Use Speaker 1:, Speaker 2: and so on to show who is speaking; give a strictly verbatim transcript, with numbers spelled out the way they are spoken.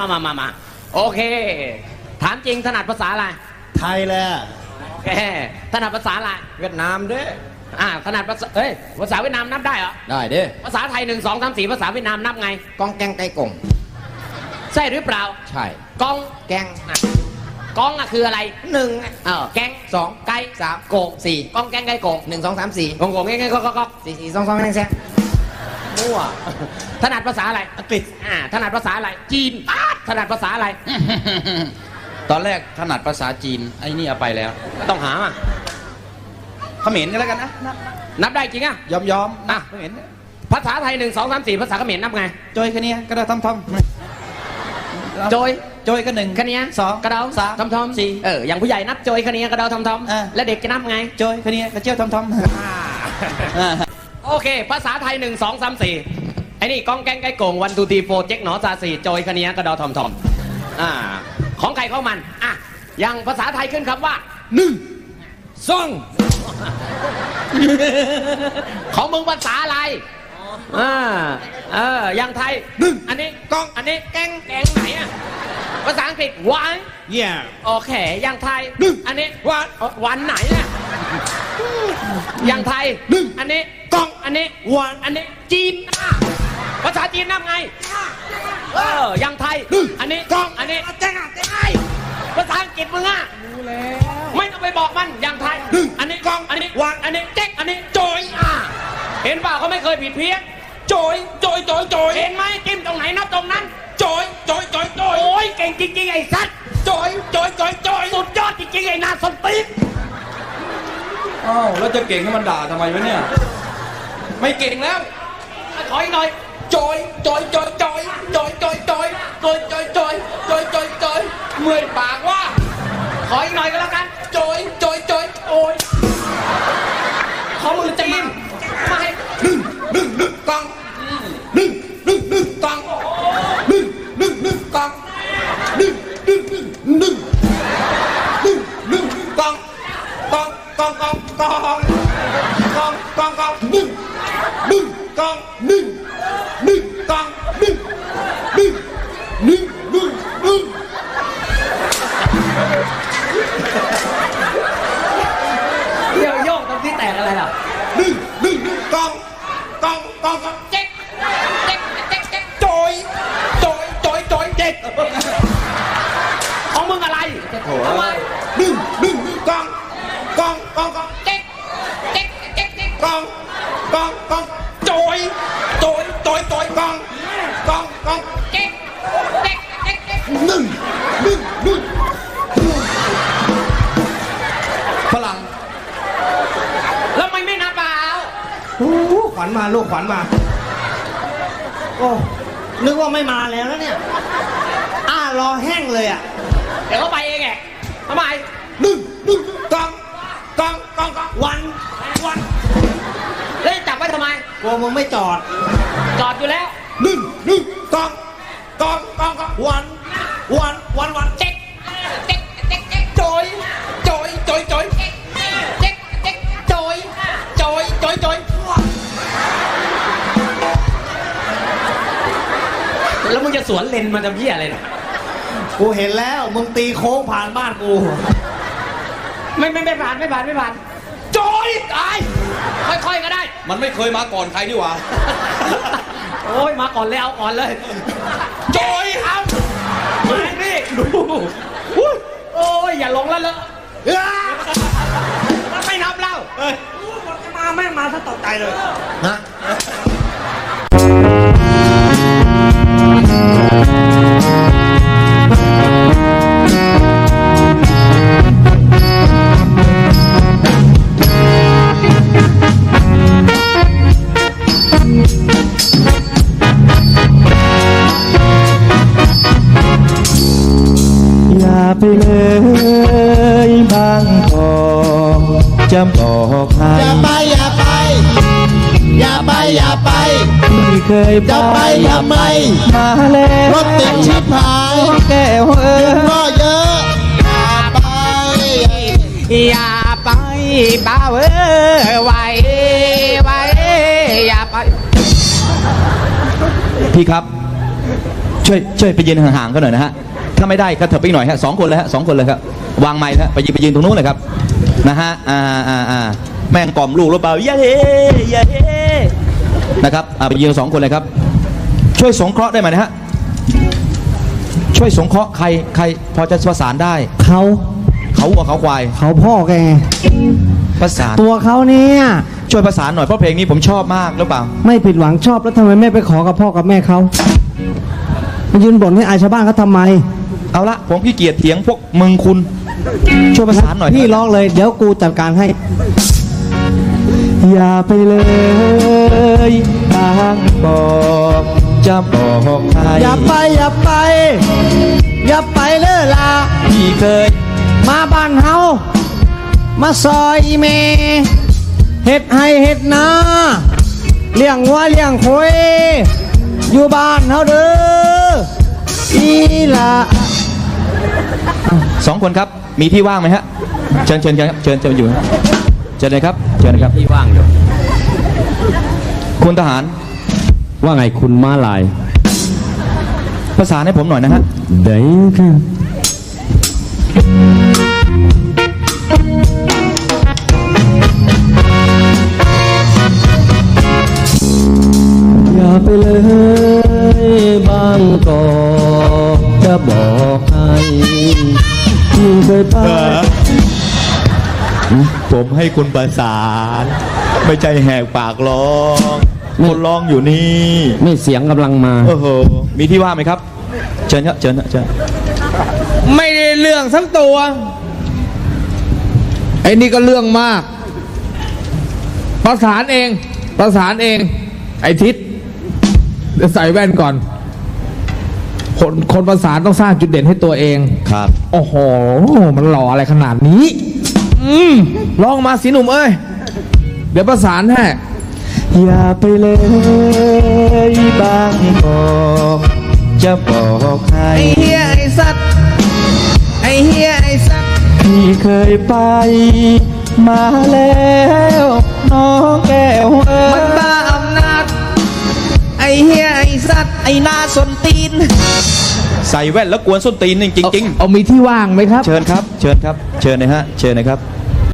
Speaker 1: มามามามาโอเคถามจริงถนัดภาษาอะไร
Speaker 2: ไทยแหละ
Speaker 1: โอเคถนัดภาษาอะไร
Speaker 2: เวียดนามเด้อ
Speaker 1: อ่าถนัดภาษาเอ้ยภาษาเวียดนามนับได้เหรอ
Speaker 2: ได้เด้อ
Speaker 1: ภาษาไทยหนึ่งสองสามสี่ภาษาเวียดนามนับไง
Speaker 2: กองแกงไก่กง
Speaker 1: ใช่หรือเปล่า
Speaker 2: ใช่
Speaker 1: กอง
Speaker 2: แกง
Speaker 1: กองอะคืออะไร
Speaker 2: หนึ่ง
Speaker 1: เออแกง
Speaker 2: สอง
Speaker 1: ไก่
Speaker 2: สาม
Speaker 1: โกง
Speaker 2: สี่
Speaker 1: กองแกงไก่โกง
Speaker 2: หนึ่งสองสามสี่
Speaker 1: กงโกงแกงไก่ก็ก็ก็
Speaker 2: สี่สี่สองสองแกงแซง
Speaker 1: มั่วถนัดภาษาอะไร
Speaker 2: อังกฤษ
Speaker 1: อ่าถนัดภาษาอะไรจีนถนัดภาษาอะไร
Speaker 3: ตอนแรกถนัดภาษาจีนไอ้นี่เอาไปแล้ว
Speaker 1: ต้องหาอ่ะ
Speaker 3: เขมรกันแล้วกันนะ
Speaker 1: นับได้จริงอ่ะ
Speaker 3: ยอมยอม
Speaker 1: อ่ะ
Speaker 3: เขมร
Speaker 1: ภาษาไทยหนึ่งสองสามสี่ภาษาเขมรนับไง
Speaker 3: โจยแค่นี้ก็ได้ทำท
Speaker 1: ำโจย
Speaker 3: โจยก็หนึ่ง
Speaker 1: แค่นี้
Speaker 3: สอง
Speaker 1: กระเดา
Speaker 3: สาม
Speaker 1: ทำทำ
Speaker 3: สี่
Speaker 1: เอออย่างผู้ใหญ่นับโจยแค่นี้กระเดาทำทำและเด็กจะนับไง
Speaker 3: โจยแค่นี้กระเจียวทำท
Speaker 1: ำโอเคภาษาไทยหนึ่งสองสามสี่ไอ้นี่กองแกงไก่โก่งวันทูทีโฟเจ๊กหนอซาสีโจยแค่นี้กระเดาทำทำอ่าของใครของมันอ่ะอย่างภาษาไทยขึ้นคำว่าหนึ่งสองของมึงภาษาอะไรอ่าเอออย่างไทยหนึ่งอันนี้กองอันนี้แกงแกงไหนอ่ะภาษาอังกฤษวัน
Speaker 2: yeah
Speaker 1: โอเคอย่างไทยหนึ่งอันนี้วันวันไหนเนี่ยอย่างไทยหนึ่งอันนี้กองอันนี้วันอันนี้จีนภาษาจีนนับไงเอออย่างไทยหนึ่งอันนี้กองอันนี้แจ้งอ่ะแจ้งไงภาษาอังกฤษมึงอ่ะรู้แล้วไม่ต้องไปบอกมันอย่างไทยหนึ่งอันนี้กองอันนี้วันอันนี้แจ๊กอันนี้โจยอ่ะเห็นเปล่าเขาไม่เคยผิดเพี้ยนโจยโจยโจยโจยเห็นไหมจิ้มตรงไหนนับตรงนั้นโจยโจยโจยโจยโอ้ยเก่งจริงๆไอ้สัตว์โจยโจยโจยโจยสุดยอดจริงๆไอ้นาสนตีน
Speaker 3: อ้าวแล้วจะเก่งให้มันด่าทำไมวะเนี่ยไม่เก่งแล้ว
Speaker 1: ขออีกหน่อย
Speaker 3: โจยโจยโจยโจยโจยโจยโจยโจยโจยโจยโจยโจยโจยเมื่อยปากว่า
Speaker 1: ขออีกหน่อยก็แล้วกัน
Speaker 3: โจยโจยโจยโอ้ย
Speaker 1: ขอมือจะมามาให้
Speaker 3: หนึ่งหนึ่งหนึ่งกองหนึ่งหนึ่งหนึ่งกองหนึ่งหนึ่งหนึ่งกองหนึ่งหนึ่งหนึ่งหนึ่งหนึ่งหนึ่งกองกองกองกองกองกองกองกองหนึ่งหนึ่งกองหนึ่งหนึ่งกองหนึ่งหนึ่งหนึ่งหนึ่งหนึ่ง
Speaker 1: เดี๋ยวโยกตรงที่แตกอะไรล่ะ
Speaker 3: หนึ่งหนึ่งหนึ่งกองกองกองกองเจ๊กเจ๊กเจ๊กเจ๊กโจยโจยโจยโจยเจ๊ก
Speaker 1: ของมึงอะไรทำไม
Speaker 3: หนึ่งหนึ่งกองกองกองกองเจ๊กเจ๊กเจ๊กเจ๊กกองกองกองโจยโจยโจยโจยกองกองกองเจ๊กเจ๊กเจ๊กเจ๊กหนึ่งหนึ่งหนึ่งฝรั่ง
Speaker 1: แล้วไม่ไม่นับเปล่า
Speaker 2: ขวัญมาลูกขวัญมาโอ้นึกว่าไม่มาแล้วนะเนี่ยอ้ารอแห้งเลยอ่ะ
Speaker 1: เดี๋ยวเขาไปเองไงทำไม
Speaker 3: หนึ่งหนึ่งกองกองกองกอง
Speaker 1: วันวันแล้วจับไว้ทำไม
Speaker 2: กลัวมึงไม่จอด
Speaker 1: จอดอยู่แล้ว
Speaker 3: หนึ่งหนึ่งกองกองกองกองวันวันวันวัน
Speaker 1: เจ๊กเจ๊กเจ๊กเจ๊ก
Speaker 3: โจยโจยโจยโจย
Speaker 1: เจ๊กเจ๊กเจ๊กโจยโจยโจยโจยแล้วมึงจะสวนเลนมาทำเหี้ยอะไรเนี่ย
Speaker 2: กูเห็นแล้วมึงตีโค้งผ่านบ้านกู
Speaker 1: ไม่ไม่ไม่ผ่านไม่ผ่านไม่ผ่านโจยตายค่อยๆก็ได้
Speaker 3: มันไม่เคยมาก่อนใครดีวะ
Speaker 1: โอ้ยมาก่อนเลยเอาก่อนเลยโจยเอามาพี่ดูโอ้ยอย่าลงแล้วเลยไม่นับแล้ว
Speaker 2: เฮ้ยมาแม่มาถ้าตกใจเลยนะ
Speaker 4: ไปเลยบางทองจะบอกให้
Speaker 2: อย่าไปอย่าไปอย่าไปอย่าไป
Speaker 4: ที่เคย
Speaker 2: จะไปทำไม
Speaker 4: มาแล้ว
Speaker 2: รถติดชิบหาย
Speaker 4: แก้วเอ๋ย
Speaker 2: ก็เยอะอย่าไป
Speaker 1: อย่าไปบ้าเอ้ยไว้ไว้อย่าไป
Speaker 3: พี่ครับช่วย
Speaker 4: ช่วยช่วยไปยืนห่างๆเขาหน่อยนะฮะถ้าไม่ได้ก็เถิบไปอีกหน่อยฮะสองคนเลยฮะสองคนเลยครับวางไม้ฮะไปยืนไปยืนตรงนู้นเลยครับนะฮะอ่าอ่าอ่าแม่งกล่อมลูกหรือเปล่าอย่าเฮอย่าเฮนะครับอ่าไปยืนสองคนเลยครับช่วยสงเคราะห์ได้ไหมนะฮะช่วยสงเคราะห์ใครใครพอจะประสานได้
Speaker 2: เขา
Speaker 4: เขาวัวเขาควาย
Speaker 2: เขาพ่อแกไง
Speaker 4: ประสาน
Speaker 2: ตัวเขาเนี่ย
Speaker 4: ช่วยประสานหน่อยเพราะเพลงนี้ผมชอบมากหรือเปล่า
Speaker 2: ไม่ผิดหวังชอบแล้วทำไมไม่ไปขอกับพ่อกับแม่เขามายืนบ่นให้อายชาวบ้านเขาทำไม
Speaker 4: เอาละผมขี้เกียจเถียงพวกมึงคุณช่วยประสานหน่อย
Speaker 2: พี่ร้องเลยเดี๋ยวกูจัดการให้
Speaker 4: อย่าไปเลยบางบอกจะบอกใคร
Speaker 2: อย่าไปอย่าไป อย่าไปเลยล่ะ
Speaker 4: พี่เคย
Speaker 2: มาบ้านเฮามาซอยอีเมเฮ็ดให้เฮ็ดนาเลี้ยงวัวเลี้ยงควายอยู่บ้านเฮาเด้ออีล่ะ
Speaker 4: สองคนครับมีที่ว่างไหมฮะเชิญเชิญครับเชิญเชิญอยู่นะเชิญเลยครับเชิญเลยครับ
Speaker 1: ที่ว่างอยู่
Speaker 4: คุณทหาร
Speaker 1: ว่าไงคุณม้าลาย
Speaker 4: ประสานให้ผมหน่อยนะฮะ
Speaker 1: ได้ค่ะ
Speaker 2: อย่าไปเลยบางกอกจะบอกให้ที่เคยไป
Speaker 4: ผมให้คุณประสานไม่ใจแหกปากร้องคนร้องอยู่นี่
Speaker 1: นี่เสียงกำลังมา
Speaker 4: โอ้โหมีที่ว่างไหมครับเชิญครับเชิญครับเชิญ
Speaker 3: ไม่ได้เรื่องทั้งตัวไอ้นี่ก็เรื่องมาก ประสานเอง ประสานเอง ไอ้ทิศเดี๋ยวใส่แว่นก่อน คนคนประสานต้องสร้างจุดเด่นให้ตัวเอง
Speaker 4: ครับ
Speaker 3: โอ้โห มันหล่ออะไรขนาดนี้ อืมลองมาสิหนุ่มเอ้ย เดี๋ยวประสานให้
Speaker 4: อย่าไปเลยบางบอกจะบอกใคร
Speaker 3: ไอ้เฮียไอ้สัตว์ ไอ้เฮียไอ้สัตว์
Speaker 4: พี่เคยไปมาแล้วน้องแก้วเอ๋
Speaker 3: มัน
Speaker 4: ย
Speaker 3: บ้าอำนาจ ไอ้เฮียไอ้สัตว์
Speaker 1: ไอ้หน้าสนตีน
Speaker 4: ใส่แว่นแล้วกวนส้นตีนจริงจริง
Speaker 3: เอามีที่ว่างไหมครับ
Speaker 4: ๆเชิญครับเชิญครับเชิญนะฮะเชิญนะครับ